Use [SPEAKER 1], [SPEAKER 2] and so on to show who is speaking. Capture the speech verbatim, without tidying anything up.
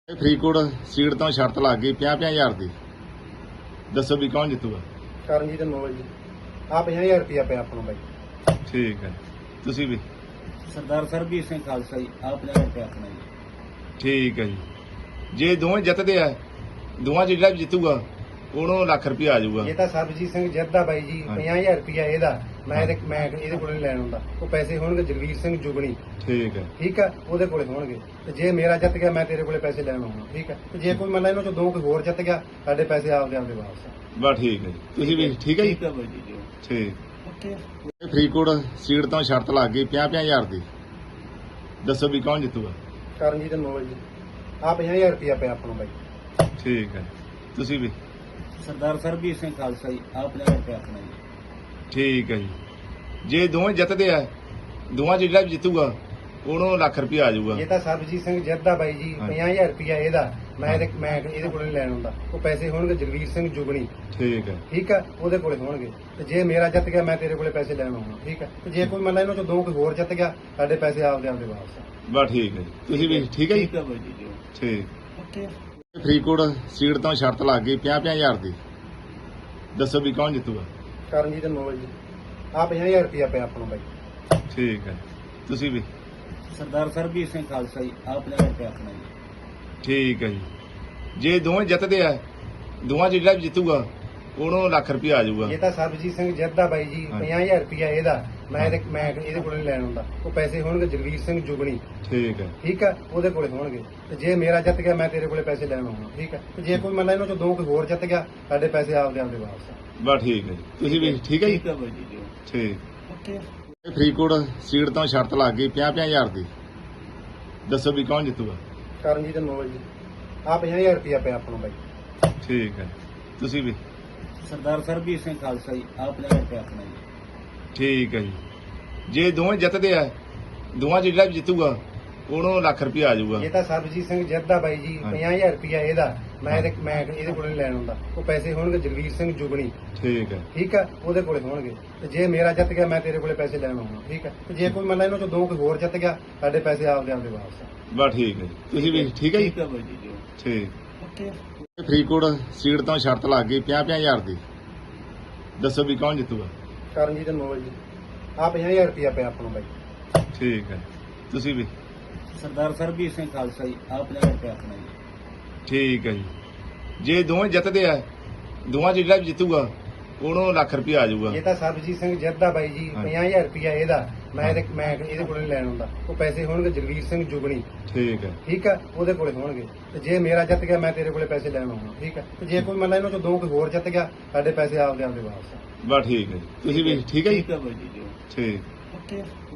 [SPEAKER 1] Faridkot seat ਤੋਂ ਸ਼ਰਤ ਲੱਗ ਗਈ ਪੰਜਾਹ ਪੰਜਾਹ ਹਜ਼ਾਰ ਦੀ। ਦੱਸੋ ਵੀ ਕੌਣ ਜਿੱਤੂਗਾ?
[SPEAKER 2] ਕਰਨਜੀਤ ਨੋਵਲ ਜੀ ਆ ਪੰਜਾਹ ਹਜ਼ਾਰ ਰੁਪਇਆ ਪਿਆ ਆਪਣਾ ਬਾਈ।
[SPEAKER 1] ਠੀਕ ਹੈ, ਤੁਸੀਂ ਵੀ?
[SPEAKER 3] ਸਰਦਾਰ ਸਰਬਜੀਤ ਸਿੰਘ ਖਾਲਸਾ ਜੀ ਆ ਪੰਜਾਹ ਰੁਪਏ ਆਪਣਾ ਜੀ।
[SPEAKER 1] ਠੀਕ ਹੈ ਜੀ। ਜੇ ਦੋਵੇਂ ਜਿੱਤਦੇ ਆ, ਦੋਵਾਂ 'ਚ ਜਿਹੜਾ ਵੀ ਜਿੱਤੂਗਾ ਉਹਨੂੰ ਲੱਖ ਰੁਪਇਆ ਆ ਜਾਊਗਾ।
[SPEAKER 2] ਇਹ ਤਾਂ ਸਰਬਜੀਤ ਸਿੰਘ ਜਿੱਤਦਾ ਬਾਈ ਜੀ
[SPEAKER 1] ਹਾਂਜੀ।
[SPEAKER 2] ਪੰਜਾਹ ਹਜ਼ਾਰ ਰੁਪਇਆ ਇਹਦਾ ਮੈਂ ਇਹਦੇ ਮੈਂ ਇਹਦੇ ਕੋਲੇ ਨੀ ਲੈਣ ਹੁੰਦਾ। ਉਹ ਪੈਸੇ ਹੋਣਗੇ ਜਗਵੀਰ ਸਿੰਘ ਜੁਗਣੀ,
[SPEAKER 1] ਠੀਕ ਹੈ,
[SPEAKER 2] ਠੀਕ ਆ, ਉਹਦੇ ਕੋਲੇ ਹੋਣਗੇ। ਤੇ ਜੇ ਮੇਰਾ ਜਿੱਤ ਗਿਆ ਮੈਂ ਤੇਰੇ ਕੋਲੇ ਪੈਸੇ ਲੈਣ ਆਉਣਾ, ਠੀਕ ਹੈ। ਤੇ ਜੇ ਕੋਈ ਮੰਨ ਲਾ ਇਹਨਾਂ ਚੋਂ ਦੋ ਕੋਈ ਹੋਰ ਜਿੱਤ ਗਿਆ, ਸਾਡੇ ਪੈਸੇ ਆਪਦੇ ਆਪਦੇ ਵਾਪਸ।
[SPEAKER 1] ਬਸ ਠੀਕ ਹੈ ਜੀ। ਤੁਸੀਂ ਵੀ? ਠੀਕ ਹੈ ਜੀ,
[SPEAKER 3] ਠੀਕ ਹੈ ਬਾਈ ਜੀ ਜੀ
[SPEAKER 1] ਠੀਕ।
[SPEAKER 3] ਓਕੇ।
[SPEAKER 1] ਫਰੀਦਕੋਟ ਸੀਟ ਤੋਂ ਸ਼ਰਤ ਲੱਗ ਗਈ ਪੰਜਾਹ ਪੰਜਾਹ ਹਜ਼ਾਰ ਦੀ। ਦੱਸੋ ਵੀ ਕੌਣ ਜਿੱਤੂਗਾ?
[SPEAKER 2] ਕਰਨਜੀਤ ਨੋਵਲ ਜੀ ਆ ਪੰਜਾਹ ਹਜ਼ਾਰ ਰੁਪਇਆ ਪਿਆ ਆਪਣਾ ਬਾਈ।
[SPEAKER 1] ਠੀਕ ਹੈ, ਤੁਸੀਂ ਵੀ?
[SPEAKER 3] ਸਰਦਾਰ ਸਰਬਜੀਤ ਸਿੰਘ ਖਾਲਸਾ ਜੀ ਆ ਪੰਜਾਹ ਰੁਪਏ ਆਪਣਾ ਜੀ।
[SPEAKER 1] ਠੀਕ ਹੈ ਜੀ। ਜੇ ਦੋਵੇਂ ਜਿੱਤਦੇ ਆ, ਦੋਵਾਂ 'ਚ ਜਿਹੜਾ ਵੀ ਜਿੱਤੂਗਾ ਉਹਨੂੰ ਲੱਖ ਰੁਪਇਆ ਆ ਜਾਊਗਾ।
[SPEAKER 2] ਇਹ ਤਾਂ ਸਰਬਜੀਤ ਸਿੰਘ ਜਿੱਤਦਾ ਬਾਈ ਜੀ
[SPEAKER 1] ਹਾਂਜੀ।
[SPEAKER 2] ਪੰਜਾਹ ਹਜ਼ਾਰ ਰੁਪਇਆ ਇਹਦਾ ਮੈਂ ਇਹਦੇ ਮੈਂ ਇਹਦੇ ਕੋਲੇ ਨੀ ਲੈਣ ਹੁੰਦਾ। ਉਹ ਪੈਸੇ ਹੋਣਗੇ ਜਗਵੀਰ ਸਿੰਘ ਜੁਗਣੀ,
[SPEAKER 1] ਠੀਕ ਹੈ,
[SPEAKER 2] ਠੀਕ ਆ, ਉਹਦੇ ਕੋਲੇ ਹੋਣਗੇ। ਤੇ ਜੇ ਮੇਰਾ ਜਿੱਤ ਗਿਆ ਮੈਂ ਤੇਰੇ ਕੋਲੇ ਪੈਸੇ ਲੈਣ ਆਉਣਾ, ਠੀਕ ਹੈ। ਤੇ ਜੇ ਕੋਈ ਮੰਨ ਲਾ ਇਹਨਾਂ ਚੋਂ ਦੋ ਕੋਈ ਹੋਰ ਜਿੱਤ ਗਿਆ, ਸਾਡੇ ਪੈਸੇ ਆਪਦੇ ਆਪਦੇ ਵਾਪਸ।
[SPEAKER 1] ਬਸ ਠੀਕ ਹੈ ਜੀ। ਤੁਸੀਂ ਵੀ? ਠੀਕ ਹੈ ਜੀ,
[SPEAKER 3] ਠੀਕ ਹੈ ਬਾਈ ਜੀ ਜੀ
[SPEAKER 1] ਠੀਕ।
[SPEAKER 3] ਓਕੇ।
[SPEAKER 1] ਫਰੀਦਕੋਟ ਸੀਟ ਤੋਂ ਸ਼ਰਤ ਲੱਗ ਗਈ ਪੰਜਾਹ ਪੰਜਾਹ ਹਜ਼ਾਰ ਦੀ। ਦੱਸੋ ਵੀ ਕੌਣ ਜਿੱਤੂਗਾ?
[SPEAKER 2] ਕਰਨਜੀਤ ਨੋਵਲ ਜੀ ਆ ਪੰਜਾਹ ਹਜ਼ਾਰ ਰੁਪਇਆ ਪਿਆ ਆਪਣਾ ਬਾਈ।
[SPEAKER 1] ਠੀਕ ਹੈ, ਤੁਸੀਂ ਵੀ?
[SPEAKER 3] ਸਰਦਾਰ ਸਰਬਜੀਤ ਸਿੰਘ ਖਾਲਸਾ ਜੀ ਆ ਪੰਜਾਹ ਰੁਪਏ ਆਪਣਾ ਜੀ।
[SPEAKER 1] ਠੀਕ ਹੈ ਜੀ। ਜੇ ਦੋਵੇਂ ਜਿੱਤਦੇ ਆ, ਦੋਵਾਂ 'ਚ ਜਿਹੜਾ ਵੀ ਜਿੱਤੂਗਾ ਉਹਨੂੰ ਲੱਖ ਰੁਪਇਆ ਆ ਜਾਊਗਾ।
[SPEAKER 2] ਇਹ ਤਾਂ ਸਰਬਜੀਤ ਸਿੰਘ ਜਿੱਤਦਾ ਬਾਈ ਜੀ
[SPEAKER 1] ਹਾਂਜੀ।
[SPEAKER 2] ਪੰਜਾਹ ਹਜ਼ਾਰ ਰੁਪਇਆ ਇਹਦਾ ਮੈਂ ਇਹਦੇ ਮੈਂ ਇਹਦੇ ਕੋਲੇ ਨੀ ਲੈਣ ਹੁੰਦਾ। ਉਹ ਪੈਸੇ ਹੋਣਗੇ ਜਗਵੀਰ ਸਿੰਘ ਜੁਗਣੀ,
[SPEAKER 1] ਠੀਕ ਹੈ,
[SPEAKER 2] ਠੀਕ ਆ, ਉਹਦੇ ਕੋਲੇ ਹੋਣਗੇ। ਤੇ ਜੇ ਮੇਰਾ ਜਿੱਤ ਗਿਆ ਮੈਂ ਤੇਰੇ ਕੋਲੇ ਪੈਸੇ ਲੈਣ ਆਉਣਾ, ਠੀਕ ਹੈ। ਤੇ ਜੇ ਕੋਈ ਮੰਨ ਲਾ ਇਹਨਾਂ ਚੋਂ ਦੋ ਕੋਈ ਹੋਰ ਜਿੱਤ ਗਿਆ, ਸਾਡੇ ਪੈਸੇ ਆਪਦੇ ਆਪਦੇ ਵਾਪਸ।
[SPEAKER 1] ਬਸ ਠੀਕ ਹੈ ਜੀ। ਤੁਸੀਂ ਵੀ? ਠੀਕ ਹੈ ਜੀ,
[SPEAKER 3] ਠੀਕ ਹੈ ਬਾਈ ਜੀ ਜੀ
[SPEAKER 1] ਠੀਕ।
[SPEAKER 3] ਓਕੇ।
[SPEAKER 1] ਫਰੀਦਕੋਟ ਸੀਟ ਤੋਂ ਸ਼ਰਤ ਲੱਗ ਗਈ ਪੰਜਾਹ ਪੰਜਾਹ ਹਜ਼ਾਰ ਦੀ। ਦੱਸੋ ਵੀ ਕੌਣ ਜਿੱਤੂਗਾ?
[SPEAKER 2] ਕਰਨਜੀਤ ਨੋਵਲ ਜੀ ਆ ਪੰਜਾਹ ਹਜ਼ਾਰ ਰੁਪਇਆ ਪਿਆ ਆਪਣਾ ਬਾਈ।
[SPEAKER 1] ਠੀਕ ਹੈ, ਤੁਸੀਂ ਵੀ?
[SPEAKER 3] ਸਰਦਾਰ ਸਰਬਜੀਤ ਸਿੰਘ ਖਾਲਸਾ ਜੀ ਆ ਪੰਜਾਹ ਰੁਪਏ ਆਪਣਾ ਜੀ।
[SPEAKER 1] ਠੀਕ ਹੈ ਜੀ। ਜੇ ਦੋਵੇਂ ਜਿੱਤਦੇ ਆ, ਦੋਵਾਂ 'ਚ ਜਿਹੜਾ ਵੀ ਜਿੱਤੂਗਾ ਉਹਨੂੰ ਲੱਖ ਰੁਪਇਆ ਆ ਜਾਊਗਾ।
[SPEAKER 2] ਇਹ ਤਾਂ ਸਰਬਜੀਤ ਸਿੰਘ ਜਿੱਤਦਾ ਬਾਈ ਜੀ
[SPEAKER 1] ਹਾਂਜੀ।
[SPEAKER 2] ਪੰਜਾਹ ਹਜ਼ਾਰ ਰੁਪਇਆ ਇਹਦਾ ਮੈਂ ਇਹਦੇ ਮੈਂ ਇਹਦੇ ਕੋਲੇ ਨੀ ਲੈਣ ਹੁੰਦਾ। ਉਹ ਪੈਸੇ ਹੋਣਗੇ ਜਗਵੀਰ ਸਿੰਘ ਜੁਗਣੀ,
[SPEAKER 1] ਠੀਕ ਹੈ,
[SPEAKER 2] ਠੀਕ ਆ, ਉਹਦੇ ਕੋਲੇ ਹੋਣਗੇ। ਤੇ ਜੇ ਮੇਰਾ ਜਿੱਤ ਗਿਆ ਮੈਂ ਤੇਰੇ ਕੋਲੇ ਪੈਸੇ ਲੈਣ ਆਉਣਾ, ਠੀਕ ਹੈ। ਤੇ ਜੇ ਕੋਈ ਮੰਨ ਲਾ ਇਹਨਾਂ ਚੋਂ ਦੋ ਕੋਈ ਹੋਰ ਜਿੱਤ ਗਿਆ, ਸਾਡੇ ਪੈਸੇ ਆਪਦੇ ਆਪਦੇ ਵਾਪਸ।
[SPEAKER 1] ਬਸ ਠੀਕ ਹੈ ਜੀ। ਤੁਸੀਂ ਵੀ? ਠੀਕ ਹੈ ਜੀ,
[SPEAKER 3] ਠੀਕ ਹੈ ਬਾਈ ਜੀ ਜੀ
[SPEAKER 1] ਠੀਕ।
[SPEAKER 3] ਓਕੇ।
[SPEAKER 1] ਫਰੀਦਕੋਟ ਸੀਟ ਤੋਂ ਸ਼ਰਤ ਲੱਗ ਗਈ ਪੰਜਾਹ ਪੰਜਾਹ ਹਜ਼ਾਰ ਦੀ। ਦੱਸੋ ਵੀ ਕੌਣ ਜਿੱਤੂਗਾ?
[SPEAKER 2] ਕਰਨਜੀਤ ਨੋਵਲ ਜੀ ਆ ਪੰਜਾਹ ਹਜ਼ਾਰ ਰੁਪਇਆ ਪਿਆ ਆਪਣਾ ਬਾਈ।
[SPEAKER 1] ਠੀਕ ਹੈ, ਤੁਸੀਂ ਵੀ?
[SPEAKER 3] ਸਰਦਾਰ ਸਰਬਜੀਤ ਸਿੰਘ ਖਾਲਸਾ ਜੀ ਆ ਪੰਜਾਹ ਰੁਪਏ ਆਪਣਾ ਜੀ।
[SPEAKER 1] ਠੀਕ ਹੈ ਜੀ। ਜੇ ਦੋਵੇਂ ਜਿੱਤਦੇ ਆ, ਦੋਵਾਂ 'ਚ ਜਿਹੜਾ ਵੀ ਜਿੱਤੂਗਾ ਉਹਨੂੰ ਲੱਖ ਰੁਪਇਆ ਆ ਜਾਊਗਾ।
[SPEAKER 2] ਇਹ ਤਾਂ ਸਰਬਜੀਤ ਸਿੰਘ ਜਿੱਤਦਾ ਬਾਈ ਜੀ
[SPEAKER 1] ਹਾਂਜੀ।
[SPEAKER 2] ਪੰਜਾਹ ਹਜ਼ਾਰ ਰੁਪਇਆ ਇਹਦਾ ਮੈਂ ਇਹਦੇ ਮੈਂ ਇਹਦੇ ਕੋਲੇ ਨੀ ਲੈਣ ਹੁੰਦਾ। ਉਹ ਪੈਸੇ ਹੋਣਗੇ ਜਗਵੀਰ ਸਿੰਘ ਜੁਗਣੀ,
[SPEAKER 1] ਠੀਕ ਹੈ,
[SPEAKER 2] ਠੀਕ ਆ, ਉਹਦੇ ਕੋਲੇ ਹੋਣਗੇ। ਤੇ ਜੇ ਮੇਰਾ ਜਿੱਤ ਗਿਆ ਮੈਂ ਤੇਰੇ ਕੋਲੇ ਪੈਸੇ ਲੈਣ ਆਉਣਾ, ਠੀਕ ਹੈ। ਤੇ ਜੇ ਕੋਈ ਮੰਨ ਲਾ ਇਹਨਾਂ ਚੋਂ ਦੋ ਕੋਈ ਹੋਰ ਜਿੱਤ ਗਿਆ, ਸਾਡੇ ਪੈਸੇ ਆਪਦੇ ਆਪਦੇ ਵਾਪਸ।
[SPEAKER 1] ਬਸ ਠੀਕ ਹੈ ਜੀ। ਤੁਸੀਂ ਵੀ? ਠੀਕ ਹੈ ਜੀ,
[SPEAKER 3] ਠੀਕ ਹੈ ਬਾਈ ਜੀ ਜੀ
[SPEAKER 1] ਠੀਕ।
[SPEAKER 3] ਓਕੇ।